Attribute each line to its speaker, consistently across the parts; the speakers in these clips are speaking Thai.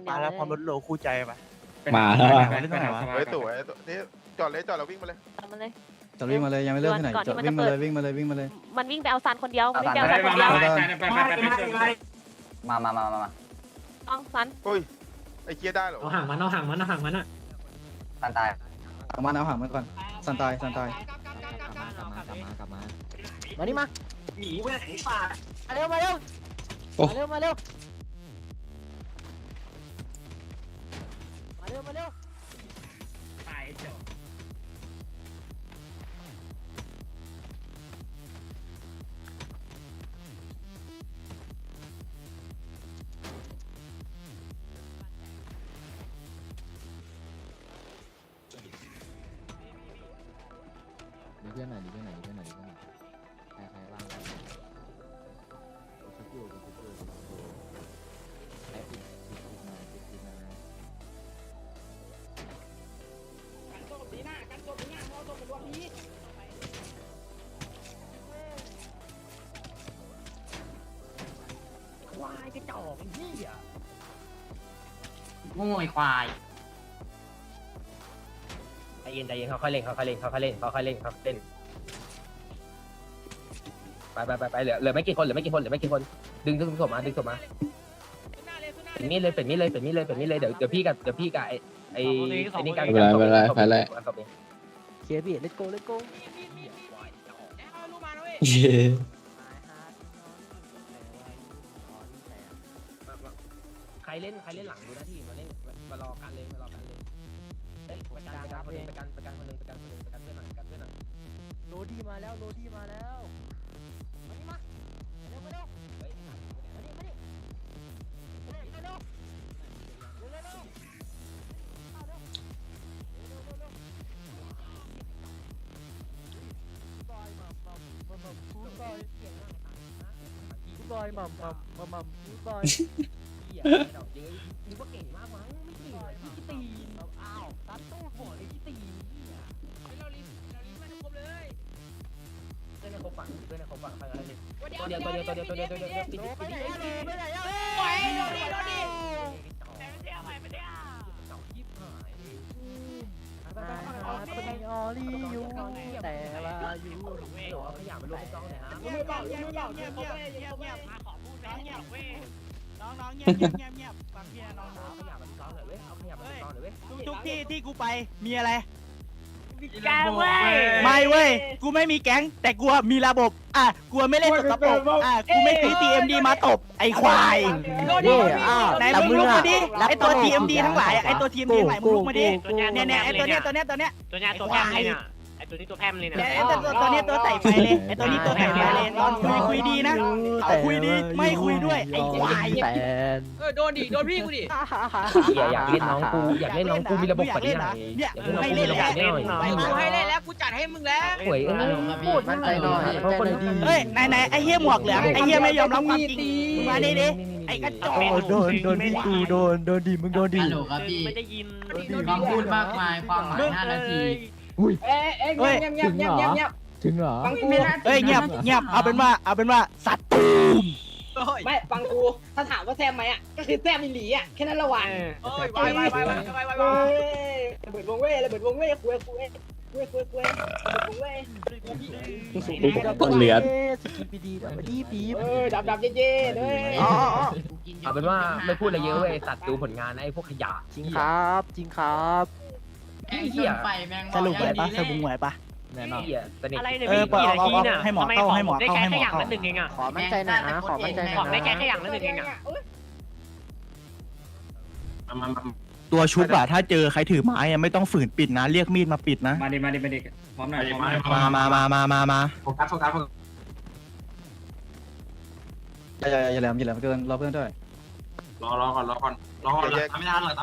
Speaker 1: เดียว
Speaker 2: แล้วพร้อมรถโลคู่ใจปะ
Speaker 3: มาแล้วอะ
Speaker 2: เล่นตรงไหนวะ
Speaker 4: เฮ้ยสวยนี่จอดเลยจอดแล้ววิ่งมาเลย
Speaker 1: ตามมาเลย
Speaker 5: จะวิ่งมาเลยยังไม่เริ่มที่ไหน
Speaker 1: ก่อนที่
Speaker 5: จะ
Speaker 1: มัน
Speaker 5: วิ่
Speaker 1: จะ
Speaker 5: ง
Speaker 1: เปิ
Speaker 5: มา
Speaker 1: ด
Speaker 5: เลยวิ่งมาเลยวิ่งมาเลย
Speaker 1: มันวิ่งไปเอาซานคนเดียวมันวิ่งไปเอาซานคนเดียว
Speaker 6: มา
Speaker 1: ต้องซัน
Speaker 4: เฮ้ยไอ้เกียได้เหรอ
Speaker 7: เอาห่างมันอ่ะ
Speaker 6: ตันตาย
Speaker 5: เอามันก่อนสันตาย
Speaker 7: กลับมามานี่มาหนีไปไหนป่ามาเร็วมาเร็ว
Speaker 3: โอ้
Speaker 7: มาเร็วมาเร็วมาเร็วตายจบ
Speaker 8: ดีเพื่อนหน่อยใครว่างกันชุบอยู่ใครปิดมา
Speaker 7: กันโจมดีหน้ามอโจมเป็นรวมนี้ควายกระจอกไอ้เหี้ย
Speaker 6: โง่ไอ้ควาย
Speaker 7: ใจเย็นเขาค่อยเล่นไปเหลือไม่กี่คนดึงศพมาเป็นมีดเลยเดี๋ยวพี่กับไอ้นี่กัน
Speaker 3: ไม่เป็นไรไปเลย
Speaker 7: เคลียร์พี่เลตโก้
Speaker 3: เย้
Speaker 7: ใครเล่นหลังดูหน้าที่มารอกันเลยประกันคนนึงประกันเพื่อนหน่อยโรดี้มาแล้วมานี่มาเร็วเฮ้ยมาบอยมัมเหี้ยนึกว่าเก่งมากมั้งไม่เก่งเลยพี่กิตีนอ้าวตัดตู้หัวเลยพี่ตีนเหี้ยเรารีบมาทุกคนเลยเพื่อนในครบฝั่งไปอะไรเลยตัวเดียวปิดไปไหนอ่ะไปโดนดิแต่ไม่ได้เอาไปเนี่ยเจ้ายิบหายคนในออลี่อยู่แต่ว่าอยู่ขยับไปลงกล้องหน่อยฮะมือเบาเงียบมาขอพูดนะเงียบเว้ยน้องเงียบฟังพี่น้องขยับมันกล้องหน่อยเว้ยเอาขยับมันกล้องหน่อยเว้ยทุกที่ที่กูไปมีอะไร
Speaker 1: แกเว้ย
Speaker 7: ไม่เว้ยกูไม่มีแก๊งแต่กูมีระบบกูไม่เล่นสกปรกกูไม่ซื้อ TMD มาตบไอ้ควายไหนมึงลุกมาดิไอ้ตัว TMD ทั้งหลายไอ้ตัว TMD ทั้งหลายมึงลุกมาดิเนี่ยไอ้ตัวเนี้ยตัวแพมเลยเนี่ยไอ้ตัวนี้ตัวแพมเลยเนี่ยไอ้ตัวนี้ตัวใส่ไฟเลยไอ้ตัวนี้ตัวใส่ไฟเลยคุยดีนะเขาคุยดีไม่คุยด้วยไอ้ควาย
Speaker 6: โดนพี่กูดิ
Speaker 7: อยากเล่นน้องกูมีระบบกว่านี้หน่อย
Speaker 6: ให้เล่นแล้วให้เล่นแล้วกูจัดให้มึงแล้ว
Speaker 7: หวยพูด
Speaker 8: มั่นใจหน่อย
Speaker 7: เฮ้ยไหนไอ้เหี้ยหมวกเหลืองไอ้เหี้ยไม่ยอมรับความจริงมาดิไอ้กระจอก
Speaker 5: โดนพี่กูโดนดิมึงโดนดิ
Speaker 6: ฮัลโหลครับพี่
Speaker 1: ไม่ได้ยิน
Speaker 6: คำพูดมากมายความหมาย5 นาที
Speaker 8: ถึงเหรอ
Speaker 7: เฮ้ยเงียบเอาเป็นว่าสัตว์ตูม
Speaker 9: ไม่ฟังกูถ้าถามว่าแซมไหมอ่ะก็คือแซมมิลลีอ่ะแค่นั้นละวันเบิดวงเว่เลยเบิดวงเว่คุยเบิดวงเว่
Speaker 3: เหลือ
Speaker 9: ดับเย่เลย
Speaker 7: เอาเป็นว่าไม่พูดอะไรเยอะเว้ยสัตว์ดูผลงานไอ้พวกขยะ
Speaker 5: จริงครับ
Speaker 6: ไอ้เหี้ยไฟแมง
Speaker 7: สรุปไหวปะสรุปไหวปะ
Speaker 8: แน่นอน
Speaker 7: เหี้ยสนิท
Speaker 1: อะไรเนี่ยไม่กี่นาทีน่ะ
Speaker 7: ให้หมอ
Speaker 1: ทำไม
Speaker 7: เข้า
Speaker 1: ของ
Speaker 7: ให้หมอ
Speaker 1: ได้
Speaker 7: เข้า
Speaker 1: แค่
Speaker 7: ให้หมอ
Speaker 1: อย่าง
Speaker 7: เข้า
Speaker 1: ละหนึ่งเองอ่ะ
Speaker 8: ขอมั่นใจหน่อยนะขอมั่นใจหน่อย
Speaker 1: ของได้แค่อย่างละหนึ่งเองอ่ะ
Speaker 2: ตัวชุบอะถ้าเจอใครถือไม้อะไม่ต้องฝืนปิดนะเรียกมีดมาปิดนะ
Speaker 4: มาดิพร้อมหน่อย
Speaker 2: มา
Speaker 4: โฟกัส
Speaker 5: อย่าแหลมเกินรอเพื่อนด้วย
Speaker 4: รอก่อนตามไม่ทันหรอก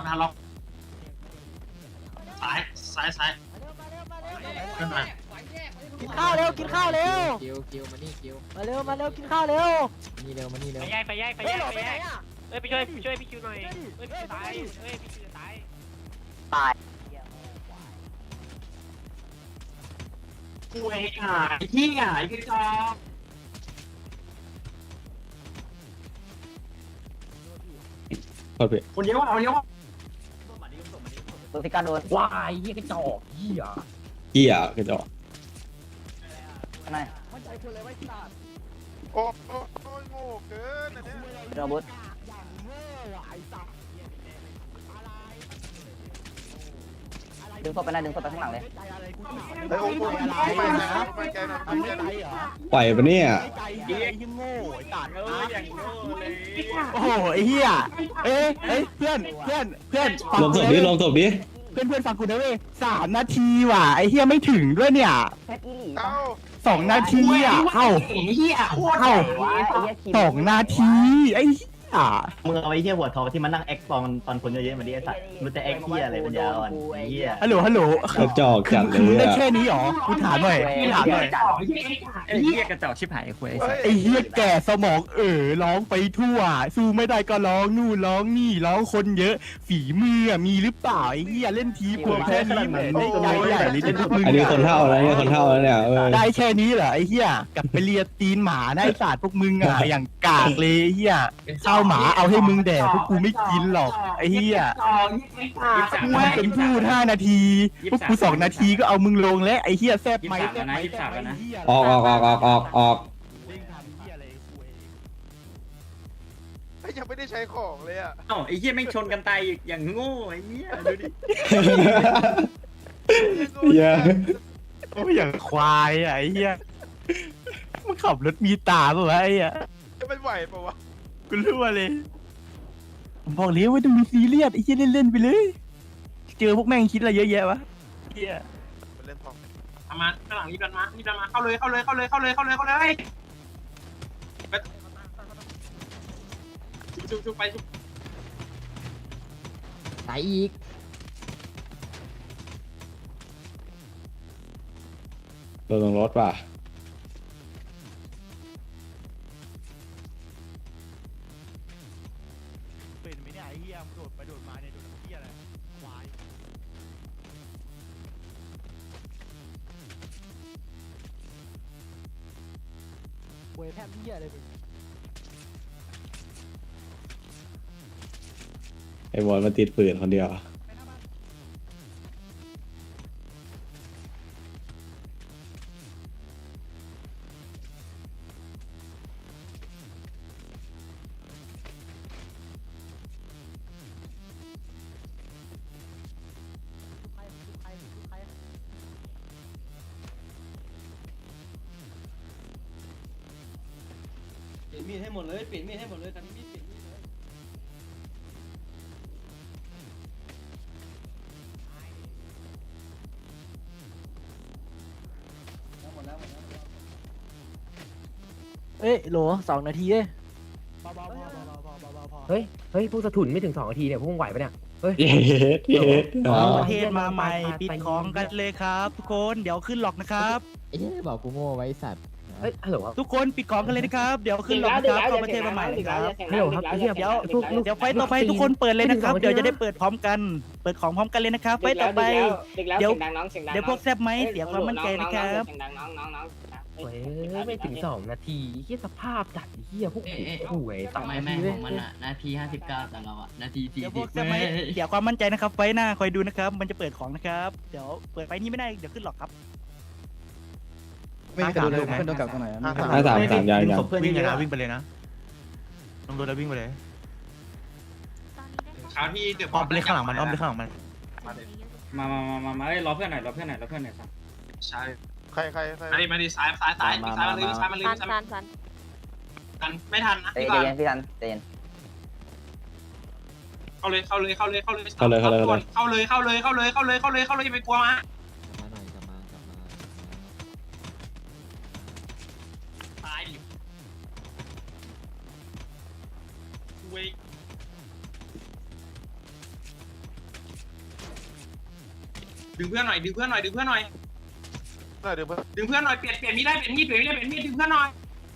Speaker 4: ซ้ายขึ้นมา
Speaker 7: กินข้าวเร็ว
Speaker 8: คิวมานี่คิว
Speaker 7: มาเร็วกินข้าวเร็ว
Speaker 8: นี่เร็วมานี่เร็ว
Speaker 1: ไปย้ายไปช่วยพี่คิวหน่อยพี่คิวตายพี่คิวตาย
Speaker 4: กูไอ้ที่ไงคือจอ
Speaker 3: โทษพี่
Speaker 4: คนเยอะว่ะคนเยอะว่ะ
Speaker 8: ตัวพิการโดนวายเหี้ยกระจอกเหี้ย
Speaker 3: เหี้ยกระจอก
Speaker 8: นาย
Speaker 10: โอ้ยโง่เกินอันเนี้ย
Speaker 8: โรบุตดึงศพไปนะดึงศพไปข้างหลังเลย
Speaker 10: ไอ้โอ้โหไปนะไปแกนะไปแกนะ
Speaker 3: ปล่อยปะเนี่ย
Speaker 2: ไอ้ยังโง่ไอ้ตัด
Speaker 1: อย่างโง่เลย
Speaker 2: โอ้โหไอ้เหี้ยเอ้ยเพื่อนฟัง
Speaker 3: ลงศพดิลงศพดิ
Speaker 2: เพื่อนฟังกูนะเว้ย3 นาทีว่ะไอ้เหี้ยไม่ถึงด้วยเนี่ย
Speaker 10: เอ้า
Speaker 2: 2 นาทีอ่ะเอ้า
Speaker 6: เหี้ยโคตร
Speaker 2: เอ้า2 นาทีไอ้เหี้ย
Speaker 11: มึงเอาไอ้เหี้ยหัวทองที่มันนั่งแอคตอนคนเยอะๆมาดิไอ้สัตว์มันจะแอคเหี้ยอะไรปัญญาอ่อนไอ้เหี้ย
Speaker 2: ฮัลโหล
Speaker 3: กระจอกจัดเล
Speaker 2: มึง
Speaker 3: ย
Speaker 2: ได้
Speaker 3: อะ
Speaker 2: แค่นี้หรอกูถามหน่อย
Speaker 1: ไอ้เหี้ยกระจอกชิบหายคุย
Speaker 2: ไอ้เหี้ยแก่สมองร้องไปทั่วสู้ไม่ได้ก็ร้องนู่นร้องนี่ร้องคนเยอะฝีมือมีหรือเปล่าไอ้เหี้ยเล่นทีผมแค่นี้เหมือนได้ใจใหญ่เลยจะมึง
Speaker 3: อันนี้คนเท่าแล้วเนี่ยคนเท่าแล้วเนี่ย
Speaker 2: ได้แค่นี้เหรอไอ้เหี้ยกลับไปเลียตีนหมาได้ศาสตร์พวกมึงอ่ะอย่างกากเลยไอ้เหี้ยข้าวหมาเอาให้มึงแดกพวกกูไม่กินหรอกไอ้เหี้ยกูเป็นพูด5 นาทีพวกกู2 นาทีก็เอามึงลงแล้วไอ้เหี้ยแซบไหมแซบไหม
Speaker 3: ออก
Speaker 10: ไอ้ยังไม่ได้ใช้ของเลยอ่ะ
Speaker 1: เอ้าไอ้เหี้ยแม่งชนกันตายอย่างโง่ไอ้เหี้ยดูดิ
Speaker 3: เหี้ย
Speaker 2: โอ้ยอย่างควายอ่ะไอ้เหี้ยมึงขับรถมีตาป่ะวะไอ้เหี้ย
Speaker 10: จะไม่ไหวปะวะ
Speaker 2: กูรู้เลยผมบอกเลยว่าต้องมีซีเรียสไอ้เหี้ยเล่นๆไปเลยเจอพวกแม่งคิดอะไรเยอะแยะวะเหี้ย
Speaker 10: มันเล่นทอง
Speaker 4: มาข้างหลังรีบดันมาเข้าเลยชุบไปชุบ
Speaker 8: ตายอีก
Speaker 3: ตัวลงรถป่ะ
Speaker 2: เป็นไหมเนี่ยไอ้เหี้ยโดดไปโดดมาเนี่ยโดดเหี้ยอะไรควาย
Speaker 5: เว้ยแทบเหี้ยเลย
Speaker 3: ไอ้บอลมาติดปืนคนเดียว
Speaker 5: เปลี่ยนมีดให้หมดเลยเปลี่ยนมีดให้หมดเลยตอนนี้มีดเปลี่ยนมีดเลยหมดแล้วเอ้ยโหล2 นาทีเอ้ย
Speaker 8: เฮ้ยพวกสะถุนไม่ถึง2 นาทีเนี่ยพวกมึงไหวปะเนี่ย
Speaker 3: เย็ด
Speaker 7: ประเทศมาใหม่ปิดของกันเลยครับทุกคนเดี๋ยวขึ้นหลอกนะครับ
Speaker 8: ไอ้เนี่ยบอกกูโง่ไว้สัตว์เฮ้ยฮัลโหลครับ
Speaker 7: ทุกคนปิดของกันเลยนะครับเดี๋ยวขึ้นหลอกนะครับเข้าประเทศมาใหม่เลยครับ
Speaker 8: ฮัลโหลครับไอ้เหี้ย
Speaker 7: เดี๋ยวไฟต่อไปทุกคนเปิดเลยนะครับเดี๋ยวจะได้เปิดพร้อมกันเปิดของพร้อมกันเลยนะครับไฟต่อไป เดี๋ยวพวกแซบไหมเสียความมั่นใจนะครับ
Speaker 9: เสียงดังน้อง
Speaker 8: เฮ้ยไม่ถึง2 นาทีเหี้ยสภาพจัดเหี้ยพวกกูห่วย2
Speaker 11: ทำไม
Speaker 8: นา
Speaker 11: แม่
Speaker 8: ที
Speaker 11: ง
Speaker 8: เว้
Speaker 11: ข
Speaker 8: ย
Speaker 11: องมันอ่ะนาที59แต่เราอ่ะนาที
Speaker 7: เดี๋ยวพวก
Speaker 11: 40
Speaker 7: แซบไหมเสียความมั่นใจนะครับไฟหน้าคอยดูนะครับมันจะเปิดของนะครับเดี๋ยวเปิดไฟนี้ไม่ได้เดี๋ยวขึ้นหลอกครับ
Speaker 5: ไม่มีใครดูเลยเพื่อนโดนกลับตรงไหนอะ
Speaker 3: 53ยัง
Speaker 11: ศพเพื่อน
Speaker 2: วิ่ง
Speaker 11: เย
Speaker 2: เลย
Speaker 11: อะ
Speaker 2: นะวิ่งไปเลยนะลงรถแล้ววิ่งไปเลย
Speaker 4: คราวที่เดือด
Speaker 2: อ้อมไปเลยข้างหลังมันอ้อมไปข้างหลังมัน
Speaker 1: มารอเพื่อนหน่อยครับ
Speaker 4: ใช่
Speaker 10: ใคร
Speaker 4: มาดิซ้ายมาเลยซ้ายมาเลยกันไม่ทันนะ
Speaker 8: ใจ
Speaker 4: พี่
Speaker 8: เย็นพี่ทันใจเย็น
Speaker 4: เข้าเลยอย่าไปกลัวมา
Speaker 8: มาหน่อยกลับมา
Speaker 4: ตายดิเวกดึงเพื่อนหน่อย
Speaker 10: น่าเดี๋ยวเพื่อน
Speaker 4: เปลี่ยนมีดได้ดึงเพื่อนหน่อย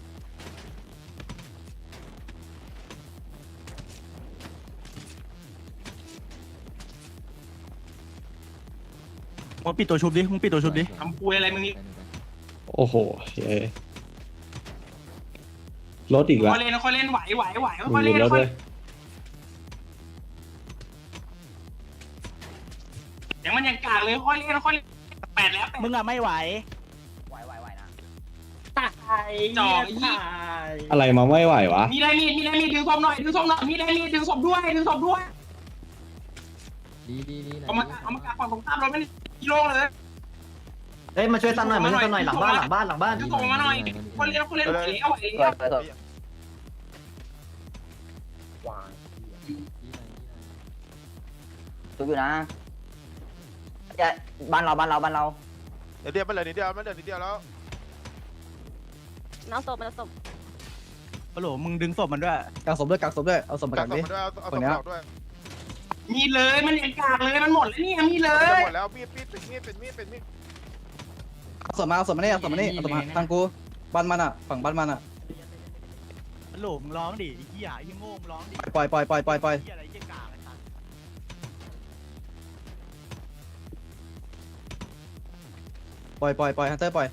Speaker 2: มึงปิดตัวชุบดิมึงปิดตัวชุบดิ
Speaker 4: ทำปุยอะไรมึงนี่
Speaker 3: โอ้โหรถอีกแล้ว
Speaker 4: ค่อยเล่นไหวค่อย
Speaker 3: มี
Speaker 4: เล่น
Speaker 3: รถ
Speaker 4: ค่อ
Speaker 3: เลย ย
Speaker 4: อย่างมันยังกากเลยค่อยเล่น8แล้ว
Speaker 7: มึงอะไม่ไหว
Speaker 4: จ่อยี่
Speaker 3: อะไรมาไม่ไหววะ
Speaker 4: มีได้มีดดึงศพหน่อยมีได้มีดดึงศพด้วยเอามากางฝั่งตรงข้ามรถไม่กิโลเลย
Speaker 11: เฮ้ยมาช่วยตั้งหน่อยมาช่วยตั้งหน่อยหลังบ้าน
Speaker 4: ดึงศพมาหน่อยคนเล่นไหวแล้ว
Speaker 8: ทุบอยู่นะบ้านเรา
Speaker 10: เดี๋ยวมันเหลือนิดเดียวแล้ว
Speaker 1: น้ำศพน้ำศพ
Speaker 7: ฮัลโหลมึงดึงศพมันด้วย
Speaker 5: กักศพด้วยเอาศพมา
Speaker 10: กั
Speaker 5: กั
Speaker 10: ก
Speaker 5: ก
Speaker 10: ศ
Speaker 5: ดิ
Speaker 10: พด้วยเอาศพ
Speaker 5: คนเนี้ย
Speaker 10: ออกด้วย
Speaker 4: มีเลยมันยังกากเลยมันหมดแล้วนี่มีเล
Speaker 10: จะ
Speaker 4: ย
Speaker 10: หมดแล้วมีดเป็นมีด
Speaker 5: เอาศพมาทางกูบ้านมันอ่ะฝั่งบ้านมันอ่ะ
Speaker 7: ฮัลโหลมึงร้องดิไอ้เหี้ยไอ้เหี้ยโง่มึงร้องดิ
Speaker 5: ปล่อย
Speaker 7: เหี้ยอะไรเหี้ยกากไอ้สัส
Speaker 5: ปล่อยฮันเตอร์ปล่อย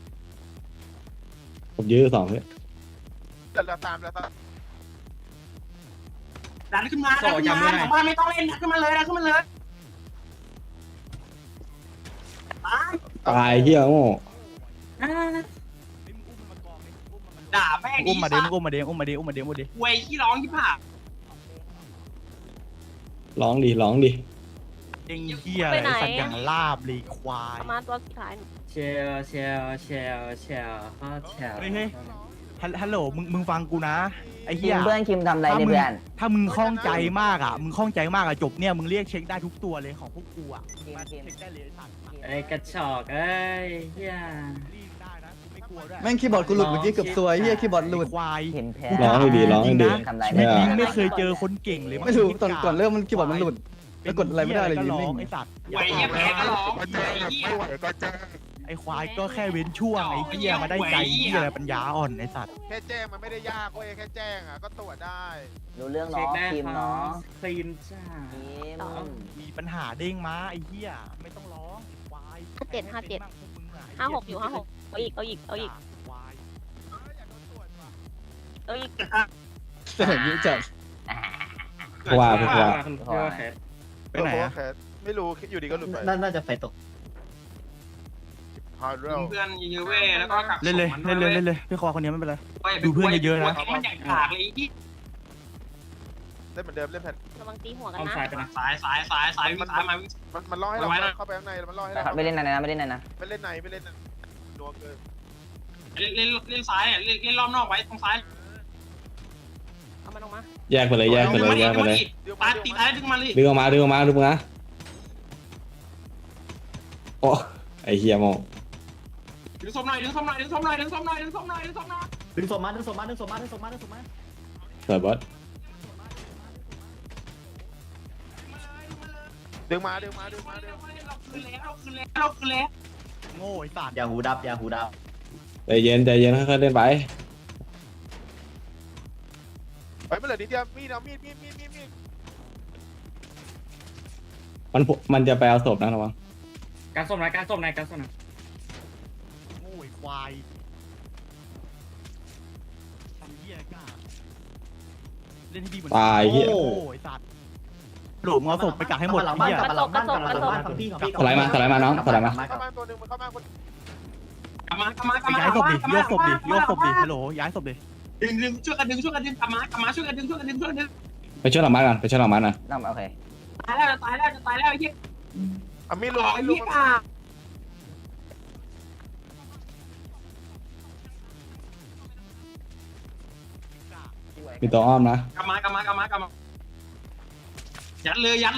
Speaker 3: ผมยื้อ2เพื่อน
Speaker 10: แล้วตาม
Speaker 4: ดันขึ้นมาบ้านไม่ต้องเล่นดันขึ้นมาเลย
Speaker 3: ตายเฮียโง่
Speaker 4: ด่าแม่ง
Speaker 7: อุ้มมาดิ
Speaker 4: สั
Speaker 7: อุ้มมาดิ
Speaker 4: เวยขี้ร้องที่ผ่า
Speaker 3: ร้องดิ
Speaker 7: เองเหี้ยอะไรสัตว์อย่างลาบเลยควาย
Speaker 1: ประมาณตัวสุดท้าย
Speaker 8: เชล
Speaker 7: เฮ้ยฮัลโหลมึงฟังกูนะไอ้เหี้ย
Speaker 8: เพื่อนคิมทำอะไรเนี่ยเพื่อน
Speaker 7: ถ้ามึงคล่องใจมากอ่ะจบเนี่ยมึงเรียกเช็คได้ทุกตัวเลยของพวกกูอ่ะมาเช็คได้เลยไอ้สัตว์
Speaker 8: ไอ้กระชอกเอ้ยเฮีย
Speaker 7: รีบได้นะกูไม่กลัวด้วย
Speaker 5: แม่งคีย์บอร์ดกูหลุดเมื่อกี้เกือบซวยเฮียคีย์บอร์ดหลุด
Speaker 7: ควาย
Speaker 8: เห็นแพ้
Speaker 3: ร้องดีๆ
Speaker 8: ทำไร
Speaker 7: ชีวิต
Speaker 3: เนี่
Speaker 7: นี้
Speaker 3: ย
Speaker 7: ไม่เคยเจอคนเก่งเลย
Speaker 5: ไม่รู้ก่อนเริ่มมันคีย์บอร์ดมันหลุดแล้วกดอะไรไม่ได้เลย
Speaker 7: ก็
Speaker 5: ยืน
Speaker 7: ร้อ
Speaker 5: นิ่
Speaker 7: ง
Speaker 5: ง
Speaker 7: ไอ้สัตว์
Speaker 4: เวยแพ้ก็ร้อง
Speaker 10: ก็แจ้งไม่ไหวก็แจ้ง
Speaker 7: ไอ้ควายก็แค่เว้นช่วงไอ้เหี้ยมาได้ใจเหี้ยอะไรปัญญาอ่อนไอ้สัตว์
Speaker 10: แค่แจ้งมันไม่ได้ยากเว้ยแค่แจ้งก็ตรวจได้
Speaker 8: รู้เรื่องเนาะคิมเนาะ
Speaker 6: คลีนจ้า
Speaker 7: มีปัญหาเด้งมาไอ้เหี้ยไม่ต้องร้องควาย
Speaker 1: 57 อยู่เอาอีก
Speaker 7: ควาย
Speaker 5: จะเห็นยี่จัด
Speaker 3: ว่า
Speaker 7: ไปไหนอะ
Speaker 10: ไม่รู้อยู่ดีก็หลุดไป
Speaker 11: น่าจะไฟตก
Speaker 10: ฮาร์ดเรล
Speaker 4: เพื่อนเยอะเว้ยแล้วก็กัก
Speaker 7: เล่นเลยพี่คอคนนี้ไม่เป็นไร
Speaker 4: มันยังกากเลยที่
Speaker 10: เล่นเหมือนเดิมเล่นแผ่น
Speaker 1: ระวังตีหัวกัน
Speaker 6: เอา
Speaker 1: นะ
Speaker 6: สายไปนะ
Speaker 4: สายวิ่งมา
Speaker 10: มันล่อให้เราเข้าไปข้างในมันล่อให้เรา
Speaker 8: ไม่เล่นนะไม่เล่นนะ
Speaker 10: ไม่เล่นในนัวเกิน
Speaker 4: เล่นซ้ายเนี่ยเล่นรอบนอกไว้ตรงซ้าย
Speaker 1: เอามันออกมา
Speaker 3: แยกไปเลย
Speaker 4: ตาตีท้ายดึงมาเลย
Speaker 3: ดึงออกมาโอ้ไอเฮียโม
Speaker 4: ดึงศพหน่อย
Speaker 11: ดึงศพมา
Speaker 3: สวยบอส
Speaker 10: ดึงมา
Speaker 4: เราคืนแล้ว
Speaker 7: โง่ไอ้สัตว์
Speaker 11: อย่าหูดับ
Speaker 3: ใจเย็นค่อยๆเล่นไป
Speaker 10: ไปมันเหลือนิดเดียวมีด
Speaker 3: มันจะไปเอาศพนะระวัง
Speaker 6: การส้มนะ
Speaker 7: โง่ไอ้ควายทำเหี้ยกล้าเล่นที่ดีเหมือน
Speaker 3: ตายเหี้ย
Speaker 7: โง่ไอ้สัตว์หลุมเอาศพไปกักให้หมด
Speaker 11: หลังบ้าน
Speaker 7: เหี้ย
Speaker 11: กลับหลังบ้านของพี่
Speaker 3: สไลด์มาน้องสไลด์มา
Speaker 10: เข้ามาตัวนึงมันเข้ามาคน
Speaker 4: กลับมา
Speaker 7: ย้ายศพดิโยกศพดิฮัลโหลย้ายศพดิ
Speaker 4: ดึงช่วยกันดึงกลับมาช่วยกันดึง
Speaker 3: ไปช่วยหลังบ้านก่อนนะ
Speaker 8: น้ำโอเค
Speaker 4: ตายแล้วไอ้เหี้ย
Speaker 10: มีลูก
Speaker 4: ไอ้เหี้ย
Speaker 3: มีตัวอ้อมนะ
Speaker 4: กลับมายัดเลย
Speaker 3: ตาย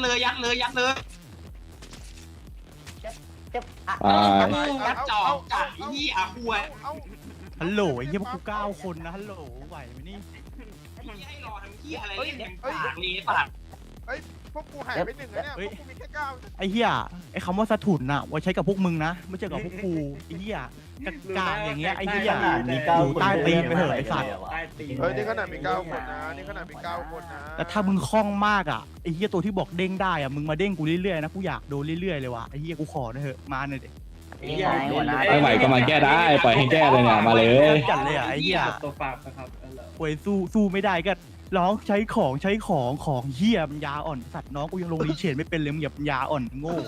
Speaker 4: ยัดจ่อกัดไอ้เหี้ยหัว
Speaker 7: ฮัลโหลไอ้เหี้ยพวกกู9 คนนะฮัลโหลไหวไหมนี่
Speaker 4: ให้รอทำเหี้ยอะไรเล่นอย่างปากเลยปาก
Speaker 10: พวกกูหายไป1แล้วเนี่ยพวกกูมีแค่9
Speaker 7: ไอ้เหี้ยไอ้คำว่าสะถุนน่ะไว้ใช้กับพวกมึงนะไม่ใช่กับพวกกูไอ้เหี้ยกากอย่างเงี้ยไอ้เหี้ยอยู่ใต้ตีนไปเถอะไอ้สัตว์
Speaker 10: นี่ขนาดมี9คนนะ
Speaker 7: แต่ถ้ามึงคล่องมากอ่ะไอ้เหี้ยตัวที่บอกเด้งได้อ่ะมึงมาเด้งกูเรื่อยๆนะกูอยากโดนเรื่อยๆเลยว่ะไอ้เหี้ยกูขอหน่อยเถอะมาหน่อยดิ
Speaker 3: ไม่ไหวก็มาแก้ได้ปล่อยให้แก้เลยเนี่ยมาเลย
Speaker 7: จัดเลยอ่ะไอ้เหี้ย
Speaker 6: ตัวฝากนะครับ
Speaker 7: ป่วยสู้ไม่ได้ก็
Speaker 2: ร้องใช้ของเหี้ยมันยาอ่อนสัตว์น้องกูยังลงรีเชนไม่เป็นเลยมึงอย่าปัญญาอ่อนโง่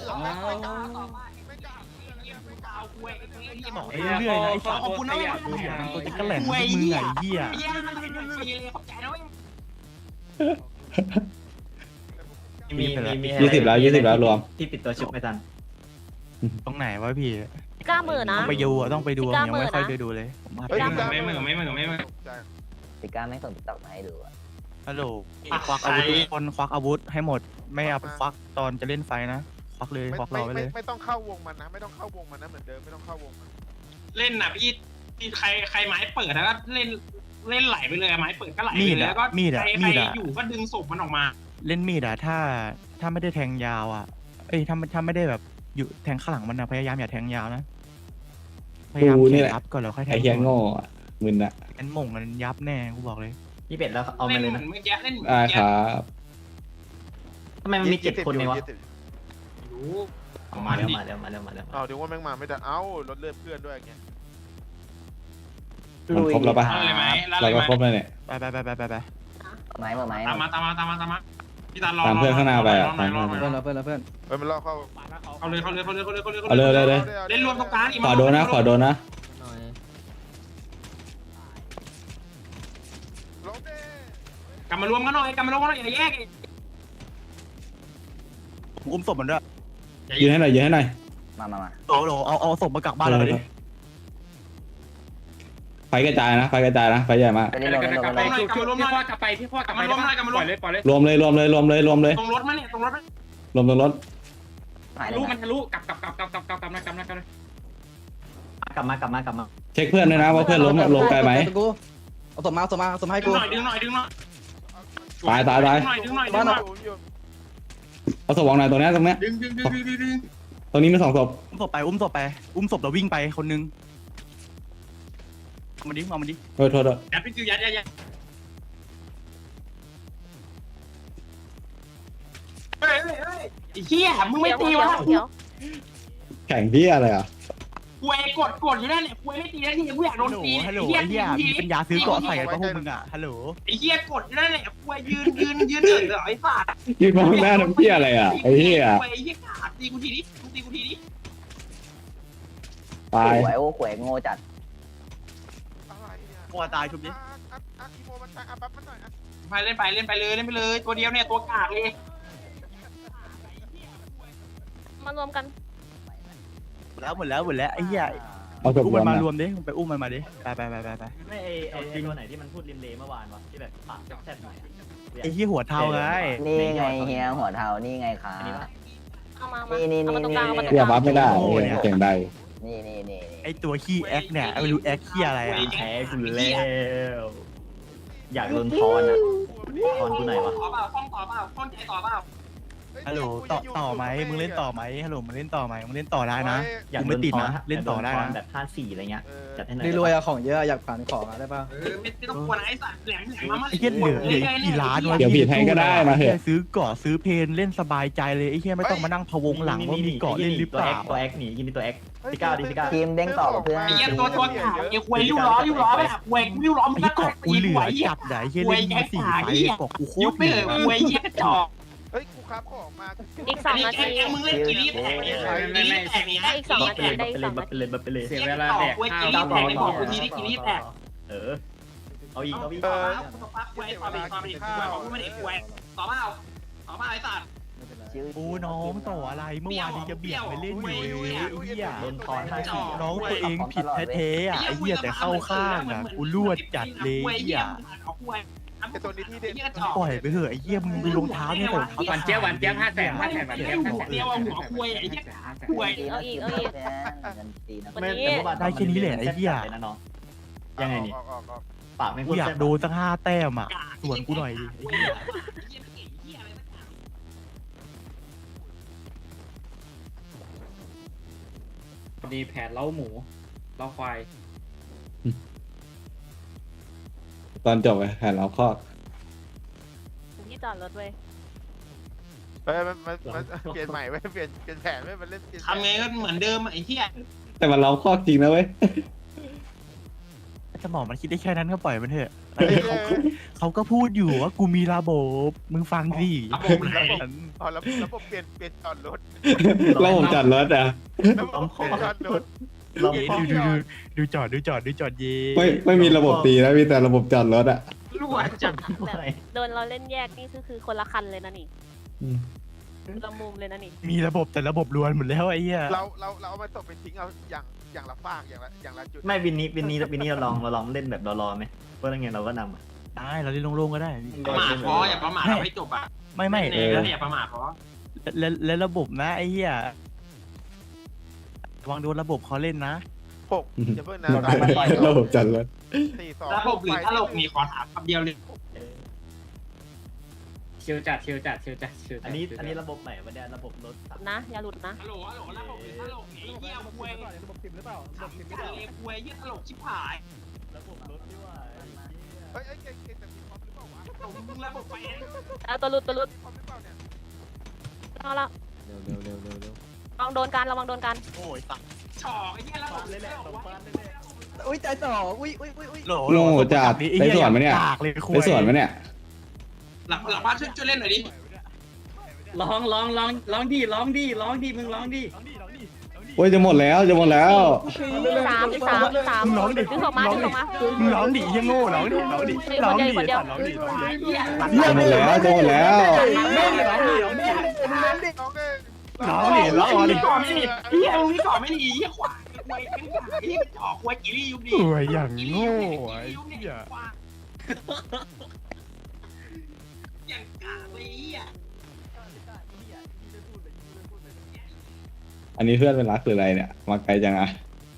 Speaker 2: บอกเรื่อยๆนะไอ้สัตว์
Speaker 4: ขอบคุณนะ
Speaker 2: มันตัวจะกระแหล่งมึงไงเหี้ย
Speaker 3: 20แล้วรวม
Speaker 11: ที่ปิดตัวชุบไม่ทัน
Speaker 2: ตรงไหนวะพี่
Speaker 12: กล้ามือนะ
Speaker 2: ต้องไปดูยังไม่ค่อยได้ดูเลยผมว่า
Speaker 10: เฮ้ย
Speaker 4: ไม่เหมือน
Speaker 8: ติก้าไม่ส่งติ๊กต็อกมาให้ดูอ่ะ
Speaker 2: ฮัลโหลควักอาวุธทุกคนควักอาวุธให้หมดไม่เอาไปควักตอนจะเล่นไฟนะควักเลยควักเราไปเลย
Speaker 10: ไม่ต้องเข้าวงมันนะไม่ต้องเข้าวงมันนะเหมือนเดิมไม่ต้องเข้าวงมัน
Speaker 4: เล่นน่ะพี่ใครไม้เปิดแล้วก็เล่นไหลไปเลยไม้เปิดก็ไหลไปเลยแล้วก็ใครอยู่ก็ดึงศพมันออกมา
Speaker 2: เล่นมีดอะถ้าไม่ได้แทงยาวอะถ้าไม่ได้แบบอยู่แทงข้างหลังมันนะพยายามอย่าแทงยาวนะพยายามเขียนยับก่อนแล้วค่อยแท
Speaker 3: ไอ้
Speaker 2: ง
Speaker 3: เหี้ยโง่อะมึนอะ
Speaker 2: งั้นหม่งกันยับแน่กูบอกเลย
Speaker 11: พี่เป็ดแล้วเอา
Speaker 4: เล่
Speaker 11: มาน เลย
Speaker 4: เหมื
Speaker 11: นะ
Speaker 4: อนเมื่อกี้เล่นเหมือน
Speaker 3: ได้
Speaker 4: เมื่อ
Speaker 3: ค
Speaker 4: กี้
Speaker 3: รับ
Speaker 11: ทำไมมันมี7 คนเองวะ
Speaker 4: รู้
Speaker 11: มาแล้ว
Speaker 10: เอาถึงว่าแม่งมาไม่ได้เอ้ารถเลือดเพื่อนด้วยอย่างเงี้ย
Speaker 3: มันครบแล้วปะ
Speaker 4: เลยไหม
Speaker 3: เราก็ครบแล้วเนี่ย
Speaker 2: ไป
Speaker 8: ไม้เบอร์ไม้
Speaker 4: ตามมาพี่ตาลรอ
Speaker 3: ตามเพื่อนข้างหน้าไปอะ
Speaker 11: เพื่อน
Speaker 10: เฮ้ยมันล่อเข้า
Speaker 4: เอาเลย
Speaker 3: เอาเลย
Speaker 4: เล่นรวมตรงกลาง
Speaker 3: ขอโดนนะ
Speaker 8: หน่อย
Speaker 10: ลงดิ
Speaker 4: กลับมารวมกันหน่อยอย่าแยก
Speaker 2: อุ้มศพมันด้วย
Speaker 3: ยืนให้หน่อย
Speaker 8: มา
Speaker 2: โหลเอาศพมากลับบ้านเราดิ
Speaker 3: ไฟกระจายนะไฟใหญ่มาก
Speaker 8: ไปเล่นลง
Speaker 4: กลับมารวมหน่อยกลับมารวม
Speaker 3: รวมเลย
Speaker 4: ตรงรถมาเนี่ยตรงรถ
Speaker 3: รวมตรงรถ
Speaker 8: หายเล
Speaker 4: ลู
Speaker 8: ย
Speaker 4: กมัน
Speaker 8: นะ
Speaker 4: ทะลุกลับ
Speaker 11: กลับมา
Speaker 3: เช็คเพื่อนด้วยนะว่าเพื่อนล้มไกลไหม
Speaker 5: เอาศพมาให้กู
Speaker 4: ดึงหน่อย
Speaker 10: ดึง
Speaker 3: ตาย
Speaker 10: อยู่
Speaker 3: เอาศพวางไหนตรงเนี้ย
Speaker 4: ดึง
Speaker 3: ตรงนี้มี2ศพ
Speaker 2: อุ้มศพแล้ววิ่งไปคนนึงเอามาดิ
Speaker 3: โทษ
Speaker 4: ยัดพี่คิวยัดเฮ้ยเฮียมึงไม่ตีวะ
Speaker 12: เขียว
Speaker 3: แข่งที่อะไรอ่ะ
Speaker 4: กูเอกดอยู่นั่นแหละกูไม่ตีแล้วที่กูอยากโดนตี
Speaker 2: ฮัลโหลไอ้เหี้ยมีปัญญาซื้อเกาะใส่กันปะพวกมึงอะฮัลโหล
Speaker 4: ไอ้เฮียกดอยู่นั่นแหละกูยืนเหรอไอ้สัตว์
Speaker 3: ยืนมองหน้าน้ำเหี้ยอะไรอ่ะไอ้เหี้ย
Speaker 4: ไอ้เฮียขาดตีกูทีนี้
Speaker 3: ตาย
Speaker 8: หวยโง่จัด
Speaker 10: อะไรเนี่ย
Speaker 2: กลัวตายชุบดิ
Speaker 10: อีโมมันตายปั๊บมันหน่อย
Speaker 4: ไปเล่นไปเลยตัวเดียวเนี่ยตัวกากเลย
Speaker 12: มารวมกัน
Speaker 2: หมดแล้วไอ้เหี้ย
Speaker 3: เอาศพ
Speaker 2: อุ้ม
Speaker 3: ร
Speaker 2: มั
Speaker 3: วน ม
Speaker 2: มาร
Speaker 3: นะ
Speaker 2: วมดิไปอุ้มมันมาดิไป
Speaker 11: ไม่ไอ้ตัวไหนที่มันพูดริมเลเมื่อวานวะที่แบบปากแซ่บๆหน่อย
Speaker 2: ไอ้เหี้ยหัวเทาไง
Speaker 8: นี่ไงเฮียหัวเทานี่ไงขา
Speaker 12: เอามา
Speaker 8: นี่
Speaker 12: เอามาตรงกลางเอามาตรง
Speaker 3: เรี
Speaker 12: ก
Speaker 3: ยก
Speaker 12: ลาง
Speaker 3: บัฟไม่ได้เสียงใด
Speaker 8: นี่
Speaker 2: ไอ้ตัวขี้แอคเนี่ยไม่รู้แอคขี้อะไรอะ
Speaker 11: แพ้กูแล้วอยากโดนทอนอ่ะทอนกูหน่อยวะ
Speaker 4: ต่อเปล่าข้องใจต่อเปล่า
Speaker 2: ฮัลโหลต่อไหมมึงเล่นต่อไหมฮัลโหลมึงเล่นต่อไหมมึงเล่นต่อได้นะ
Speaker 11: อยาก
Speaker 2: กู
Speaker 11: โด
Speaker 2: ไม่
Speaker 11: น
Speaker 2: ติด
Speaker 11: ทอน
Speaker 2: นะเล่นต่อได้นะ
Speaker 11: แบบ5-4อะไรเงี้ยจัดให้หน่อย
Speaker 5: รวยอะของเยอะอยากผ่านของอะได้ป่ะ
Speaker 4: ไม่ต้องกลัวนะไอ้สัตว์แหลมมา
Speaker 2: ไอ้เหี้ยเหลือกี่ล้านวะ
Speaker 3: เดี๋ยวบีบให้ก็ได้มาเถอะ
Speaker 2: ซื้อเกาะซื้อเพนเล่นสบายใจเลยไอ้เหี้ยไม่ต้องมานั่งพะวงหลังว่ามีเกาะเล่นหรือเปล่า
Speaker 11: ตัวแอคหนีกินตัวแอคพี่ก้าวดิพี่ก้าว
Speaker 8: ทีมเด้งต่อกับเพื่อน
Speaker 4: ไอ้เหี้ยตัวกากไอ้ควยริ้วล้อแบบควยริ้วล้อ
Speaker 2: ไอ้
Speaker 4: มัน
Speaker 2: เหี้ย
Speaker 4: ก็
Speaker 2: เกาะกูเหลือจัดไหนเหี้ยเล่นมา4ไฟเกาะกูโค
Speaker 4: ยุ
Speaker 2: ต
Speaker 4: บ
Speaker 2: ร
Speaker 4: ไป
Speaker 2: เห
Speaker 4: เล
Speaker 2: ลื
Speaker 4: ย
Speaker 2: อ
Speaker 4: ควยเหี้ยกระจอก
Speaker 10: เฮ้ยกูครับของมา
Speaker 12: อีก2 นาที
Speaker 4: มึงเล่นกี่รีบแตกเนี่ยกี่รีบแตกเนี่ย
Speaker 12: ได้อีก2 นาทีได้อีก2 นาที
Speaker 11: ไปเลย
Speaker 4: เสียเวลาแตกกี่รีบแตกในบอกกูทีนี้กี่รีบแตก
Speaker 11: เอาอีก
Speaker 4: ต่อควยต่อไปกูไม่ได้ควยต่อเปล่าไอ้สัตว์
Speaker 2: โอ้น้องต่ออะไรเมื่อวานนี้จะเบียดไปเล่นอยู่เลยไอ้เหี้ย
Speaker 11: โดนทอน5-4
Speaker 2: น้องตัวเองผิดแท้ๆอ่ะไอ้เหี้ยแต่เข้าข้างอ่ะกูรวดจัดเลยไอ้เหี้ย
Speaker 10: ไอตัวนี้ที่เด่น
Speaker 2: ปล่อยไปเถอะไอ้เหี้ยมึงดูรองเท้าเนี่ยแต่รองเท้า
Speaker 4: หวานเจี๊ยบ500,000เดียวหัวควยไอ้เหี้ยควย
Speaker 12: เอาอีก
Speaker 8: เงินตีนะ
Speaker 12: วันนี้
Speaker 2: ได้แค่นี้แหละไอ้เหี้ย
Speaker 11: ยังไงนี่
Speaker 10: ออก
Speaker 11: ปากไม่
Speaker 2: กู
Speaker 11: พูด
Speaker 2: อยากโดนสัก5 แต้มอ่ะส่วนกูหน่อยดิไอ้เหี้ย
Speaker 6: ดีแผนเล้าหมูเล้าควาย
Speaker 3: ตอนจบไปแผ่นเราครอบ
Speaker 12: ที่จอดรถเว้ย
Speaker 10: เฮ้ยมันเปลี่ยนใหม่ไว้เปลี่ยนแผนไว้มันเล่น
Speaker 4: ทำไงก็เหมือนเดิมไอ้เหี้ย
Speaker 3: แต่มันเราครอบจริงนะเว้ย
Speaker 2: สมองมันคิดได้แค่นั้นก็ปล่อยมันเถอะเขาก็พูดอยู่ว่ากูมีระบบมึงฟังสิ
Speaker 4: ระบบไหน
Speaker 10: อ๋อระบบเปลี่ยนจอดรถ
Speaker 3: แล้วผมจัดรถอ่ะ
Speaker 10: ระบบเปลี่ยนจอดรถ
Speaker 2: ดูจอดเย่
Speaker 3: ไม่มีระบบตีนะมีแต่ระบบจัดรถอ่ะ
Speaker 4: รั่วจัด
Speaker 12: โดนเราเล่นแยกนี่คือคนละคันเลยนะนี่ละมุมเลยนะนี่
Speaker 2: มีระบบแต่ระบบรวนหมดแล้วไอ้เหี้ย
Speaker 10: เราเอามาตกเป็นทิ้งเอาอย่างละฟากอย่างละจุด
Speaker 11: ไม่วินนี้เราลองเล่นแบบรอไหมเพราะงั้นเราก็นำ
Speaker 2: ได้เราเล่นโล่งๆก็ได้
Speaker 4: ประมาทพออย่าประมาทเราให้จบอ่ะ
Speaker 2: ไม่
Speaker 4: อย่าประมาทพอ
Speaker 2: แล้วระบบนะไอ้เหี้ยระวังโดนระบบเขาเล่นนะ
Speaker 10: 6จะเพิ่งนะ
Speaker 3: ระบบจัดรถ
Speaker 10: 4-2
Speaker 4: ระบบหรือตลกมีขอถามคำเดียวเลย
Speaker 6: ชิวจัด
Speaker 11: อันนี้ระบบใหม่วันนี้ระบบรถ
Speaker 12: นะอย่าหลุดนะ
Speaker 4: ฮัลโหลระบบหรือตลกไอ้เหี้ยควย
Speaker 5: ระบบ10หรือเปล่าระบบ10หรือเปล่า
Speaker 4: ควยเหี้ยตลกชิบหาย
Speaker 11: ระบบรถที่ว่า
Speaker 10: เฮ้ยเก่งแต่มีความหรือเปล่าวะ
Speaker 4: มึงระบบไปเอง
Speaker 12: เอาตัวหลุด
Speaker 10: ความหรือเปล่าเนี่ย
Speaker 12: เอาละ
Speaker 8: เร็ว
Speaker 12: ระวังโดนกันระวังโดนกัน
Speaker 2: โอ้ยตัด
Speaker 4: ช่อไอ้เหี้ยระบบเลยแหละ
Speaker 5: อุ้ยใจต่ออุ้ย
Speaker 3: โง่จัดไปสวนไหมเนี่ย
Speaker 2: กากเลย
Speaker 3: ไปสวนไหมเนี่ย
Speaker 4: หลังบ้านช่วยเล่นหน่อยดิ
Speaker 6: ร้องดิมึงร้องดิ
Speaker 3: โอ้ยจะหมดแล้ว
Speaker 12: อีกสาม
Speaker 2: มึงร้องดิ
Speaker 12: ดึงออกมา
Speaker 2: มึงร้องดิยังโง่ร้องดิ
Speaker 12: คนเดียว
Speaker 3: จะหมดแล้วจะหมดแล้ว
Speaker 10: น้องเอ้ย
Speaker 2: ร้องดิ
Speaker 4: ก่อนไม่ดีเหี้ยมึงก่อนไม่ดีเหี้ยขวาควยเป็นขวาเหี้ยจ่อควยกี่ริยุบดิ
Speaker 2: โอ้ยอย่างโง่ไอ้เหี้ย
Speaker 4: อย่างกากเลยเหี้ย
Speaker 3: อันนี้เพื่อนเป็นรักหรืออะไรเนี่ยมาไกลจังอะ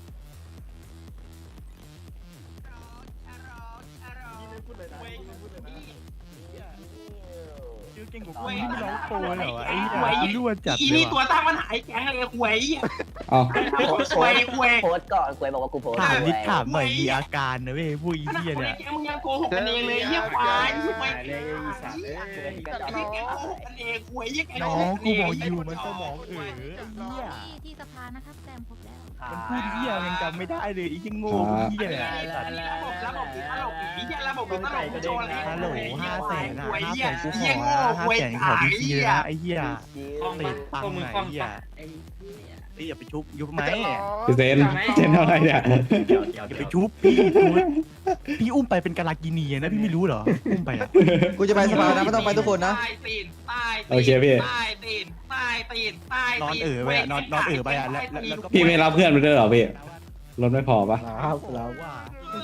Speaker 2: เก่งกว่ากูที่ไม่ร้องโปรเหรอไอ้เหี้ยรั่วจัด
Speaker 4: อี
Speaker 2: เลย
Speaker 4: นี่ตัว
Speaker 2: ว่ะ
Speaker 4: ตั้งปัญหาไอ้แก๊งเลยควยเหี้ย
Speaker 3: อ๋อ
Speaker 4: ควย
Speaker 11: โพสก่อนกวยบอกว่ากูโพส
Speaker 2: ถามนิดถามหน่อยมีอาการนะเว้ยผู้อีเหี้ยเนี่ย
Speaker 4: แก๊งมึงยังโกหกกันเองเลยเหี้ยควายควย
Speaker 6: เลยอีสัตว์
Speaker 4: เหี้ยแก๊งโกหกกันเองควยเหี้ยแก๊ง
Speaker 2: น้องกูบอกอยู่มันสมองไอ้เหี้ย
Speaker 12: ที่สภานะครับแซมครบแล้ว
Speaker 2: มันพูดเหี้ยมันจำไม่ได้เลยไอ้ยังโง่เหี้ยเนี่ย
Speaker 4: ระบบตลกอีเหี้ยระบบตลกโชว์อะไร
Speaker 2: ฮัลโหล500,000อ่ะ
Speaker 4: ควยเหี้ย
Speaker 2: 500,000กูข
Speaker 4: เหี้ย
Speaker 2: อ
Speaker 4: โง่ควย
Speaker 2: 500,000ขอ
Speaker 4: ขาย
Speaker 2: พีซี
Speaker 4: เหี้ย
Speaker 2: นะไอ้เหี้ย
Speaker 6: คล้อง
Speaker 2: เตะปัง
Speaker 6: พวกมึง
Speaker 2: ไหน
Speaker 6: คล้อง
Speaker 2: เหี้ย
Speaker 6: ไอ้
Speaker 2: นี่อย่าไปชุบยุบไหม
Speaker 3: พี่เซนเท่าไรเนี่ย
Speaker 2: อย่าไปชุบพี่อุ้มไปเป็นกาลากินีนะพี่ไม่รู้เหรออุ้มไปอ่ะ
Speaker 5: กูจะไปสภานะไม่ต้องไปทุกคนนะ
Speaker 4: ใต้ตีนใต้
Speaker 3: โอเคพี่
Speaker 4: ใต้ตีนใต้ตีนใต้ตีน
Speaker 2: นอนเอ๋อไปอ่ะนอนเอ๋อไปอ่ะแล้วก็
Speaker 3: พี่ไม่รับเพื่อนไปด้วยเหรอพี่รถไม่พอปะ
Speaker 5: แล้ว
Speaker 2: ว่า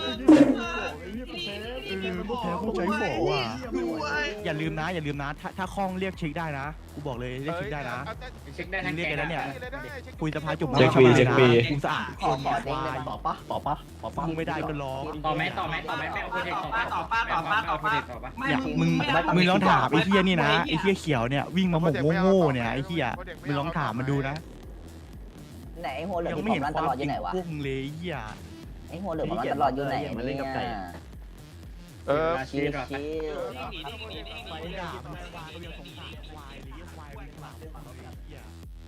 Speaker 2: พวกแพ้พวกใจโหว่ะอย่าลืมนะถ้าคล่องเรียกเช็คได้นะกูบอกเลยเรียกเช็คได้นะ
Speaker 6: เช็คได้ทั้ง
Speaker 2: เรียก
Speaker 6: แก๊
Speaker 2: กัน
Speaker 6: ง
Speaker 2: แล้วเนี่ย
Speaker 10: เลยได้
Speaker 2: คุยสภาจุ่ม
Speaker 3: เช็คฟรีเช็คฟรี
Speaker 2: กูสะอาดคน
Speaker 11: ขอเด้งได้ต่อปะ
Speaker 2: มึงไม่ได้ก็ร้อง
Speaker 6: ต่อไหมไม่เอาโปรเจกต์ต่อปะเอาโปรเจกต์ต่อปะ
Speaker 2: เนี่ยมึงลองถามไอ้เฮียนี่นะไอ้เฮียเขียวเนี่ยวิ่งมาหมกโง่ๆเนี่ยไอ้เฮียมึงลองถามมันดูนะ
Speaker 11: ไหนหัวเหลือง
Speaker 2: ยัง
Speaker 11: ที่
Speaker 2: ไม่
Speaker 11: ผ มรันต
Speaker 2: เห็นควา
Speaker 11: ล
Speaker 2: ม
Speaker 11: อดอ
Speaker 2: จริ
Speaker 11: ยู่
Speaker 2: ง
Speaker 11: ไหนวะ
Speaker 2: พวกมึงเลยไอ้เฮีย
Speaker 11: ไอ้หัวเหลืองมันตลอดอยู่ไหนเนี่ย
Speaker 6: ชีวิตว่ะ
Speaker 2: ไปด่ามันควายก็ยังสงสารควายเลยควายมันหลับ